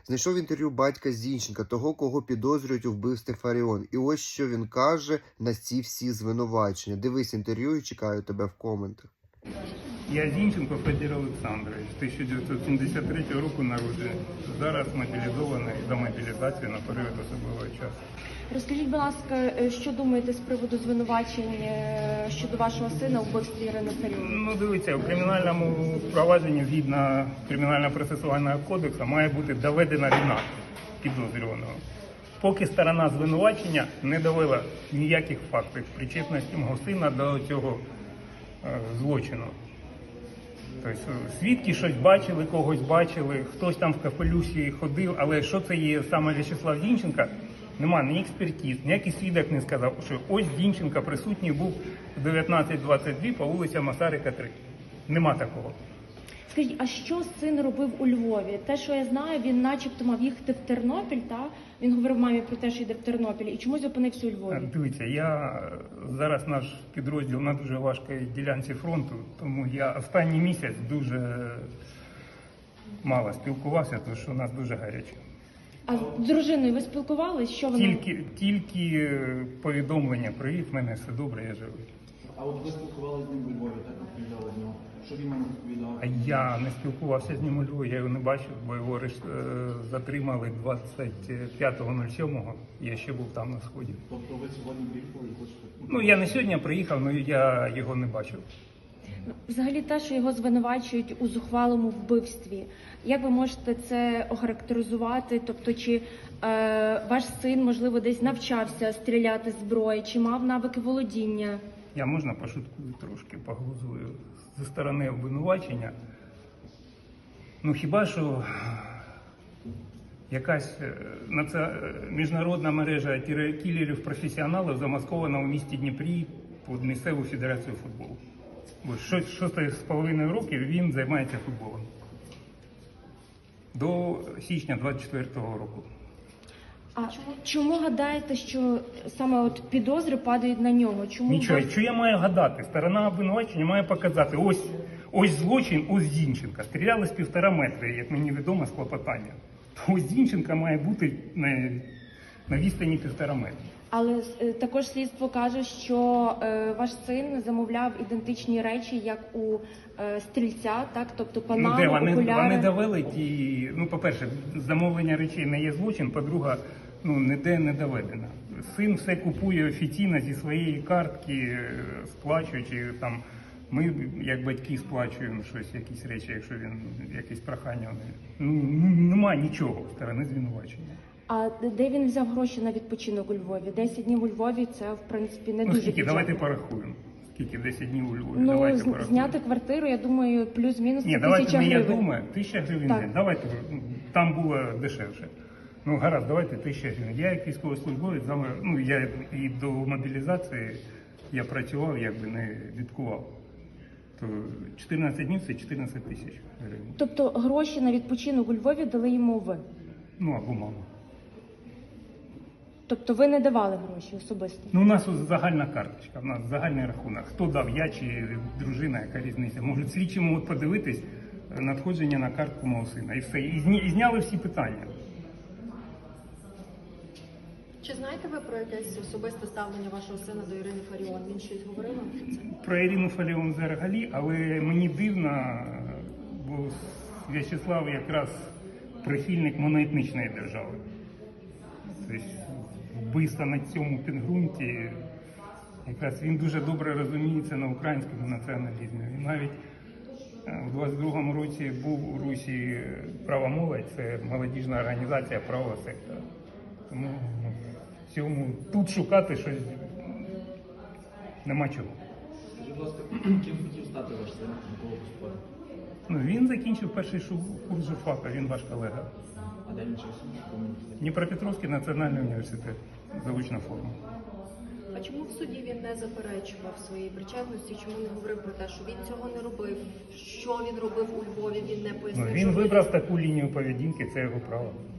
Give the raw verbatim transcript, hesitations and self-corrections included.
Знайшов інтерв'ю батька Зінченка, того, кого підозрюють у вбивстві Фаріон. І ось що він каже на ці всі звинувачення. Дивись інтерв'ю і чекаю тебе в коментах. Я Зінченко Федір Олександрович, тисяча дев'ятсот сімдесят третього року народжений. Зараз мобілізований до мобілізації на період особливого часу. Розкажіть, будь ласка, що думаєте з приводу звинувачень щодо вашого сина у вбивстві Ірини Фаріон? Ну, дивіться, у кримінальному провадженні згідно Кримінально-процесуального кодексу має бути доведена вина підозрюваного. Поки сторона звинувачення не довела ніяких фактів причетності мого сина до цього е, злочину. Тобто свідки щось бачили, когось бачили, хтось там в капелюші ходив, але що це є саме В'ячеслав Зінченко, нема ні експертиз, ніякий свідок не сказав, що ось Зінченко присутній був в дев'ятнадцять двадцять два по вулиці Масарика, три. Нема такого. Скажіть, а що син робив у Львові? Те, що я знаю, він начебто мав їхати в Тернопіль, та? Він говорив мамі про те, що йде в Тернопіль. І чомусь опинився у Львові? Дивіться, я зараз наш підрозділ на дуже важкій ділянці фронту, тому я останній місяць дуже мало спілкувався, тому що у нас дуже гаряче. А з дружиною ви спілкувались? Що вона? Тільки, тільки повідомлення, привіт, в мене все добре, я живий. А от ви спілкувалися з ним у Львові, так розповідали з нього? Що він вам розповідав? А я не спілкувався з ним у Львові, я його не бачив, бо його е, затримали двадцять п'ятого сьомого, я ще був там на Сході. Тобто ви сьогодні приїхали і хочете? Ну, я не сьогодні приїхав, але я його не бачив. Взагалі те, що його звинувачують у зухвалому вбивстві. Як ви можете це охарактеризувати? Тобто, чи е, ваш син, можливо, десь навчався стріляти з зброї, чи мав навики володіння? Я можна пошуткую трошки, поглузую зі сторони обвинувачення. Ну хіба що якась наці... міжнародна мережа кілерів-професіоналів замаскована у місті Дніпрі під місцеву федерацію футболу. Бо шосте з половиною років він займається футболом. До січня двадцять четвертого року. А чому гадаєте, що саме от підозри падають на нього? Чому Нічого, вас... що я маю гадати? Сторона обвинувачення має показати, ось, ось злочин, ось Зінченка. Стріляли з півтора метри, як мені відомо, з клопотання. То ось Зінченка має бути на, на відстані півтора метра. Але е, також слідство каже, що е, ваш син замовляв ідентичні речі, як у е, стрільця, так? Тобто панаму, Ну, де вони, окуляри. вони довели ті, ну, по-перше, замовлення речей не є злочин, по-друге, ну, ніде не доведено. Син все купує офіційно зі своєї картки, сплачуючи, там, ми, як батьки, сплачуємо щось, якісь речі, якщо він, якісь прохання. Ну, немає нічого сторони звинувачення. А де він взяв гроші на відпочинок у Львові? десять днів у Львові – це, в принципі, не Ну, дуже скільки? бюджетно. Давайте порахуємо. Скільки? десять днів у Львові? Ну, Давайте з- порахуємо. зняти квартиру, я думаю, плюс-мінус Ні, це давайте, тисяча не я гривень. думаю, тисяча гривень Так. день. Давайте, там було дешевше. Ну, гаразд, давайте тисяча гривень. Я як військовослужбовець, ну, я і до мобілізації я працював, якби не відкував. То чотирнадцять днів – це чотирнадцять тисяч гривень. Тобто гроші на відпочинок у Львові дали йому ви? Ну, або мама. Тобто ви не давали гроші особисто? Ну, у нас ось загальна карточка, у нас загальний рахунок. Хто дав, я чи дружина, яка різниця. Можуть слідчі можуть подивитись надходження на картку мого сина. І все. І, зні, і зняли всі питання. Чи знаєте ви про якесь особисте ставлення вашого сина до Ірини Фаріон? Він щось говорив вам про це? Про Ірину Фаріон взагалі, але мені дивно, бо В'ячеслав якраз прихильник моноетнічної держави. Тобто вбивство на цьому підґрунті, якраз він дуже добре розуміється на українському націоналізмі. Він навіть у двадцять другому році був у Русі «Права молодь», це молодіжна організація правого сектора. Тому ну, в цьому тут шукати щось нема чого. Скажіть, будь ласка, ким хотів стати ваш син, на кого поступати? Ну, він закінчив перший курс журфака, він ваш колега. А де він вчився? В якому університеті? Дніпропетровський національний університет, заочна форма. А чому в суді він не заперечував своєї причетності? Чому не говорив про те, що він цього не робив? Що він робив у Львові? Він не Ну, пояснив. він що вибрав таку лінію поведінки, це його право.